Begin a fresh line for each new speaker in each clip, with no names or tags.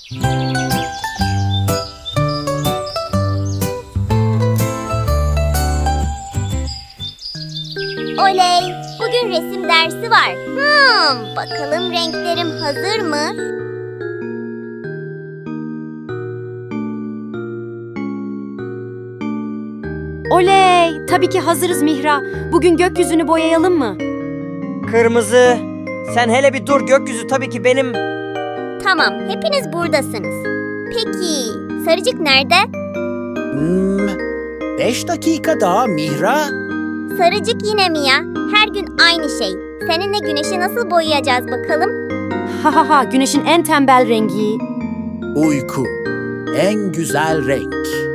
Oley! Bugün resim dersi var. Bakalım renklerim hazır mı?
Oley! Tabii ki hazırız Mihra. Bugün gökyüzünü boyayalım mı?
Kırmızı. Sen hele bir dur, gökyüzü tabii ki benim.
Tamam, hepiniz buradasınız. Peki, Sarıcık nerede?
5 dakika daha Mihra.
Sarıcık yine mi ya? Her gün aynı şey. Seninle güneşi nasıl boyayacağız bakalım?
Ha ha ha, güneşin en tembel rengi.
Uyku. En güzel renk.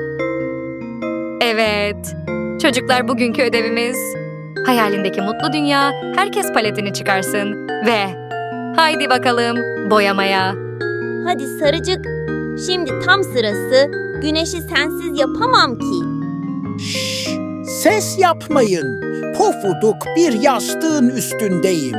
Evet. Çocuklar, bugünkü ödevimiz hayalindeki mutlu dünya, herkes paletini çıkarsın ve haydi bakalım boyamaya.
Hadi Sarıcık, şimdi tam sırası. Güneşi sensiz yapamam ki.
Şşş, ses yapmayın. Pofuduk bir yastığın üstündeyim.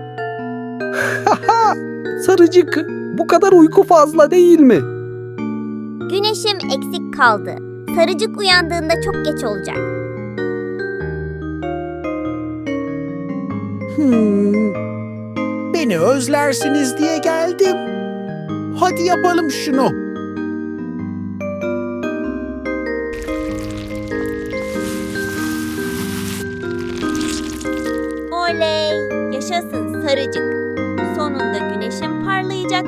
Sarıcık, bu kadar uyku fazla değil mi?
Güneşim eksik kaldı. Sarıcık uyandığında çok geç olacak.
Beni özlersiniz diye geldim. Hadi yapalım şunu.
Oley! Yaşasın Sarıcık. Sonunda güneşim parlayacak.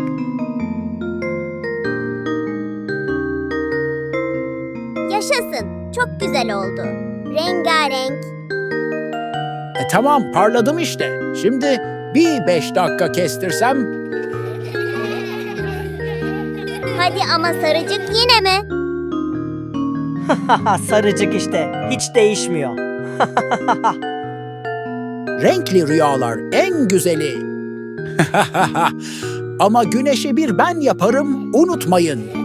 Yaşasın. Çok güzel oldu. Rengarenk.
Tamam, parladım işte. Şimdi bir 5 dakika kestirsem.
Hadi ama Sarıcık yine mi?
Sarıcık işte, hiç değişmiyor.
Renkli rüyalar en güzeli. Ama güneşi bir ben yaparım, unutmayın.